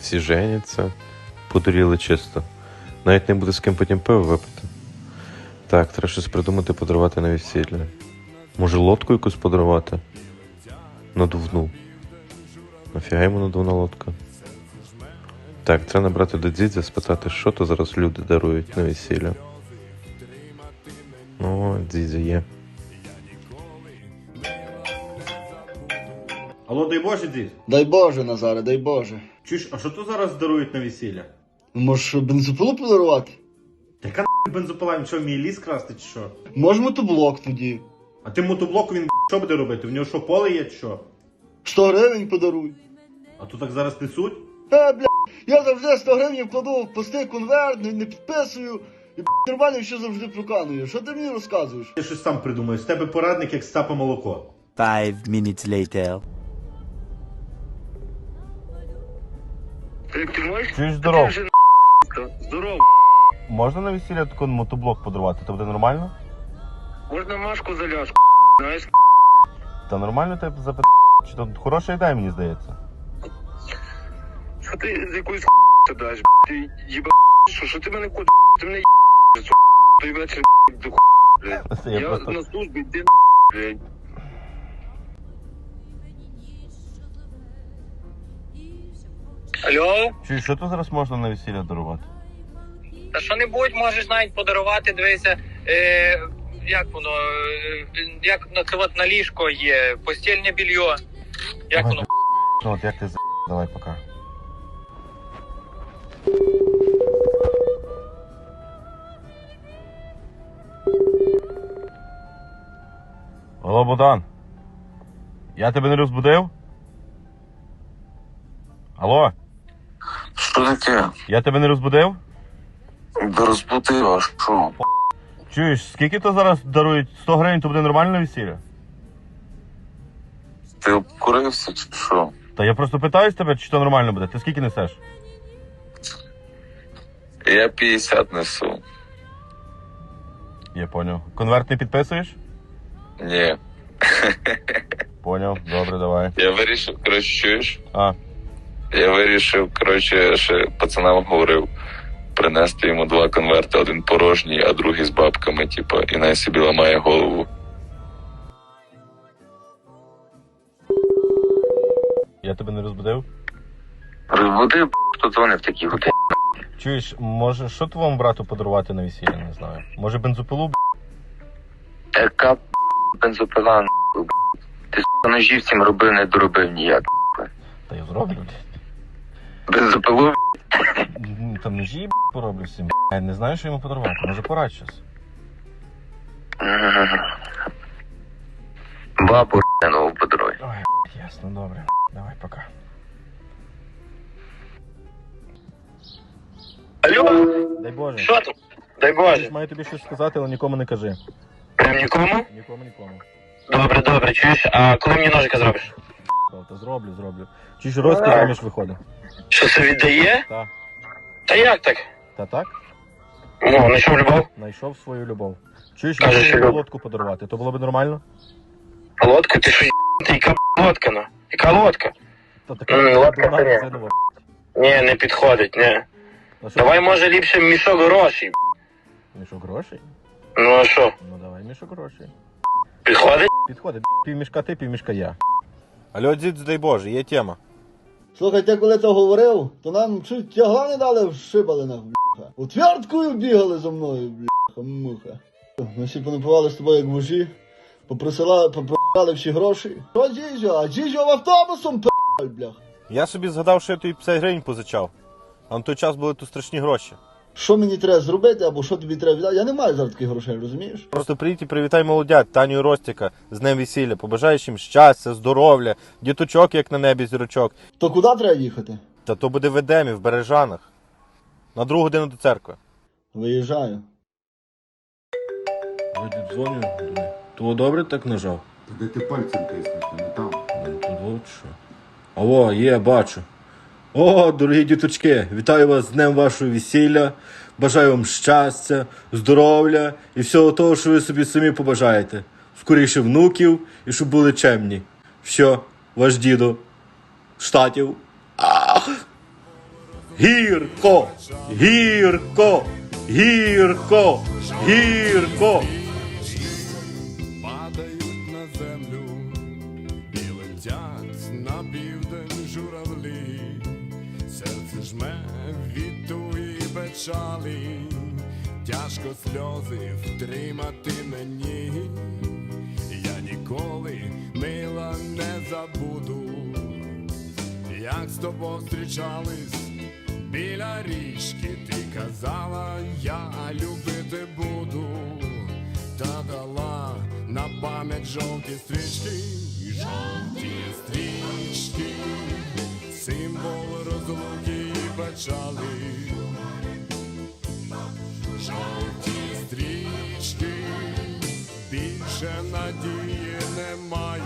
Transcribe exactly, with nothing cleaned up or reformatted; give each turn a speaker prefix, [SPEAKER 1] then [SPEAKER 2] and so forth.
[SPEAKER 1] Всі женяться, подуріли чисто. Навіть не буде з ким потім пиво випити. Так, треба щось придумати, подарувати на весілля. Може лодку якусь подарувати? Надувну. Нафіга йому надувна лодка? Так, треба набрати до дідзя, спитати, що то зараз люди дарують на весілля. О, дідзя є.
[SPEAKER 2] Алло, дай Боже, дід.
[SPEAKER 3] Дай Боже, Назаре, дай Боже.
[SPEAKER 2] Чуєш, а що то зараз дарують на весілля?
[SPEAKER 3] Може, бензопилу подарувати?
[SPEAKER 2] Та яка нахуй бензопила, він що, вміє ліс красти чи що?
[SPEAKER 3] Може, мотоблок тоді.
[SPEAKER 2] А тим мотоблоку він що буде робити? В нього що, поле є чи що?
[SPEAKER 3] сто гривень подаруй.
[SPEAKER 2] А тут так зараз несуть?
[SPEAKER 3] Е, бля, я завжди сто гривень вкладу в пустий конверт, не, не підписую. І бля, нормально ще завжди проканую. Що ти мені розказуєш?
[SPEAKER 2] Я щось сам придумаю. З тебе порадник, як з цапа молоко.
[SPEAKER 4] Five minutes later.
[SPEAKER 5] Ти, ти можеш?
[SPEAKER 1] Чуєш, здоров.
[SPEAKER 5] Ти вже здоров.
[SPEAKER 1] Можна на весілля такий мотоблок подарувати? Це буде нормально?
[SPEAKER 5] Можна Машку заляж, знаєш?
[SPEAKER 1] Та нормально тебе запитати. Чи то хороша ідея, мені здається?
[SPEAKER 5] Що ти з якоюсь даш, ти їба, що, що ти мене кодиш? Ти мене їбаш, той вечір до блядь.
[SPEAKER 1] Я
[SPEAKER 5] Я
[SPEAKER 1] просто-
[SPEAKER 5] на службі, ти блядь. Алло?
[SPEAKER 1] Чуєш, що то зараз можна на весілля дарувати?
[SPEAKER 6] Та що-небудь можеш навіть подарувати, дивися, е, як воно, е, як на це от на ліжко є, постільне більйо. Як
[SPEAKER 1] Ага.
[SPEAKER 6] воно?
[SPEAKER 1] Ну от як ти за... Давай, пока. Алло, Богдан. Я тебе не розбудив? Алло,
[SPEAKER 7] Що таке?
[SPEAKER 1] я тебе не розбудив?
[SPEAKER 7] Да розбудив, а що?
[SPEAKER 1] Чуєш, скільки то зараз дарують? сто гривень, то буде нормальне весілля?
[SPEAKER 7] Ти обкурився чи що?
[SPEAKER 1] Та я просто питаюсь тебе, чи то нормально буде. Ти скільки несеш?
[SPEAKER 7] Я п'ятдесят несу.
[SPEAKER 1] Я поняв. Конверт не підписуєш?
[SPEAKER 7] Ні.
[SPEAKER 1] Поняв, добре, давай.
[SPEAKER 7] Я вирішив, коротше, чуєш?
[SPEAKER 1] А,
[SPEAKER 7] Я вирішив, коротше, ще пацанам говорив, принести йому два конверти, один порожній, а другий з бабками, типа, і най собі ламає голову.
[SPEAKER 1] я тебе не розбудив?
[SPEAKER 7] Розбудив, хто дзвонив такі години.
[SPEAKER 1] Чуєш, може, що твоєму брату подарувати на весілля, не знаю. Може бензопилу, б***?
[SPEAKER 7] Яка бензопила, нахуй, ти с*** ножів цим робив, не доробив ніяк.
[SPEAKER 1] Та я зроблю, блядь.
[SPEAKER 7] Бензопилу,
[SPEAKER 1] М, Там ножі, б***, пороблю всім. Я не знаю, що йому подарувати. Може порадь щось.
[SPEAKER 7] бабу нову подаруй.
[SPEAKER 1] Ой, б***, ясно, добре. Давай, пока.
[SPEAKER 6] Алло,
[SPEAKER 1] Дай Боже.
[SPEAKER 6] що тут? Дай
[SPEAKER 1] Я
[SPEAKER 6] Боже.
[SPEAKER 1] маю тобі щось сказати, але нікому не кажи.
[SPEAKER 6] Прям нікому?
[SPEAKER 1] Нікому, нікому.
[SPEAKER 6] Добре, добре, чуєш, а коли мені ножика зробиш?
[SPEAKER 1] Та зроблю, зроблю. Чуєш, розказ заміж виходить.
[SPEAKER 6] Що це віддає?
[SPEAKER 1] Та.
[SPEAKER 6] Та як так?
[SPEAKER 1] Та так?
[SPEAKER 6] Ну, знайшов любов.
[SPEAKER 1] Знайшов свою любов. Чуєш,
[SPEAKER 6] Каже,
[SPEAKER 1] я
[SPEAKER 6] що
[SPEAKER 1] хотів
[SPEAKER 6] люб-
[SPEAKER 1] лодку подарувати, то було б нормально?
[SPEAKER 6] Лодка? Ти що, ти яка лодка, ну? Яка лодка?
[SPEAKER 1] Та така
[SPEAKER 6] М, лодка
[SPEAKER 1] дурна
[SPEAKER 6] це ні.
[SPEAKER 1] резинова.
[SPEAKER 6] Ні, не підходить, ні.
[SPEAKER 1] А що,
[SPEAKER 6] Давай, може, ліпше мішок грошей.
[SPEAKER 1] мішок грошей?
[SPEAKER 6] Ну, а що,
[SPEAKER 1] Ну давай мішок грошей.
[SPEAKER 6] підходить?
[SPEAKER 1] Підходить, півмішка ти, півмішка я. Алло, дід, дай Боже, є тема.
[SPEAKER 3] Слухай, ти коли це говорив, то нам чуть тягла не дали в шибалинах, бляха. Утвердкою бігали за мною, бляха, муха. Ми всі понапивали з тобою як вужі, попросила, попросили всі гроші. Що дідьо? А дідьо в автобусом п***аль, бляха.
[SPEAKER 1] Я собі згадав, що я тобі п'ятдесят гривень позичав. А на той час були тут страшні гроші.
[SPEAKER 3] Що мені треба зробити, або що тобі треба віддати? Я не маю зараз таких грошей, розумієш?
[SPEAKER 1] Просто приїдь і привітай молодят, Таню і Ростіка, з днем весілля. Побажаєш їм щастя, здоров'я, діточок, як на небі зірочок.
[SPEAKER 3] То куди треба їхати?
[SPEAKER 1] Та то буде в Едемі, в Бережанах. На другу годину до церкви.
[SPEAKER 3] Виїжджаю.
[SPEAKER 1] Вроді дзвоню, думаю, то добре так нажав?
[SPEAKER 8] Де ти пальцем тиснеш, не там.
[SPEAKER 1] Ну, тут от що. Алло, є, бачу. О, дорогі діточки, вітаю вас з днем вашого весілля. Бажаю вам щастя, здоров'я і всього того, що ви собі самі побажаєте. Скоріше внуків і щоб були чемні. Все, ваш дідо. Штатів. Ах!
[SPEAKER 2] Гірко, гірко, гірко, гірко.
[SPEAKER 9] Падають на землю і летять на південь журавлі. Серце жме від туї печалі, тяжко сльози втримати мені. Я ніколи, мила, не забуду, як з тобою зустрічались біля річки. Ти казала, я любити буду, та дала на пам'ять жовті стрічки. Жовті стрічки, символ розлуки і печали. Жовті стрічки, більше надії немає.